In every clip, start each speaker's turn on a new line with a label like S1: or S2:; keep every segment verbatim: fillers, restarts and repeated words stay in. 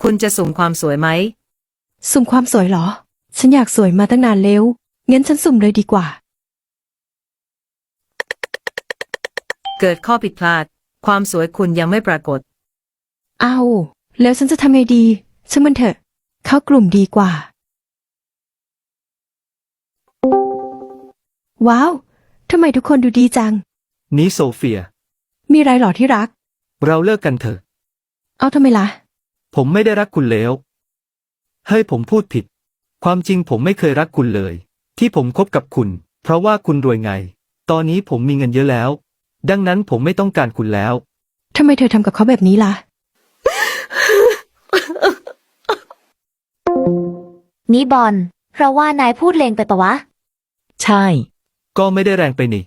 S1: คุณจะสุ่มความสวยไหม
S2: สุ่มความสวยเหรอฉันอยากสวยมาตั้งนานแล้วงั้นฉันสุ่มเลยดีกว่า
S1: เกิดข้อผิดพลาดความสวยคุณยังไม่ปรากฏ
S2: เอาแล้วฉันจะทำไงดีช่างมันเถอะเข้ากลุ่มดีกว่าว้าวทำไมทุกคนดูดีจัง
S3: นี่โซเฟีย
S2: มีไรหรอที่รัก
S3: เราเลิกกันเถอะ
S2: เอาทำไมล่ะ
S3: ผมไม่ได้รักคุณแล้วเฮ้ยผมพูดผิดความจริงผมไม่เคยรักคุณเลยที่ผมคบกับคุณเพราะว่าคุณรวยไงตอนนี้ผมมีเงินเยอะแล้วดังนั้นผมไม่ต้องการคุณแล้ว
S2: ทำไมเธอทำกับเขาแบบนี้ล่ะ
S4: นี่บอลเราว่านายพูดเลงไปปะวะ
S5: ใช่
S3: ก็ไม่ได้แรงไปนี่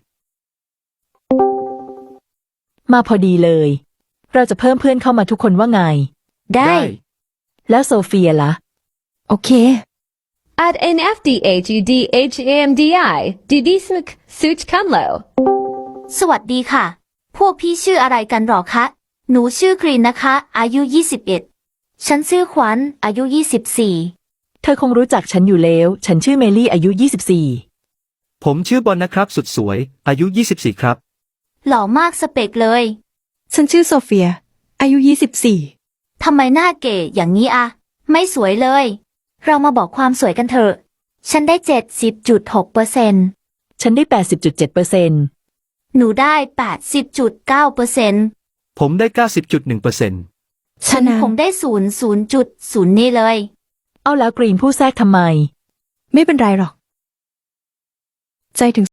S5: มาพอดีเลยเราจะเพิ่มเพื่อนเข้ามาทุกคนว่าไง
S4: ได้
S5: แล้วโซเฟียล่ะ
S2: โอเค
S6: Add N F D H U D H A M D I D D Smk Such Kamlo
S4: สวัสดีค่ะพวกพี่ชื่ออะไรกันหรอคะหนูชื่อกรีนนะคะอายุยี่สิบเอ็ดฉันชื่อขวัญอายุยี่สิบสี่
S5: เธอคงรู้จักฉันอยู่แล้วฉันชื่อเมลี่อายุยี่สิบสี่
S3: ผมชื่อบอลนะครับสุดสวยอายุยี่สิบสี่ครับ
S4: หล่อมากสเปกเลย
S2: ฉันชื่อโซเฟียอายุยี่สิบสี่
S4: ทำไมหน้าเก๋อย่างนี้อะไม่สวยเลยเรามาบอกความสวยกันเถอะฉันได้ เจ็ดสิบจุดหกเปอร์เซ็นต์
S5: ฉันได้ แปดสิบจุดเจ็ดเปอร์เซ็นต์
S4: หนูได้ แปดสิบจุดเก้าเปอร์เซ็นต์
S3: ผมได้ เก้าสิบจุดหนึ่งเปอร์เซ็นต์
S4: ฉันผมได้ ศูนย์ ศูนย์จุดศูนย์ นี่เลย
S5: เอาแล้วกรีนผู้แทรกทำไม
S2: ไม่เป็นไรหรอกใจถึง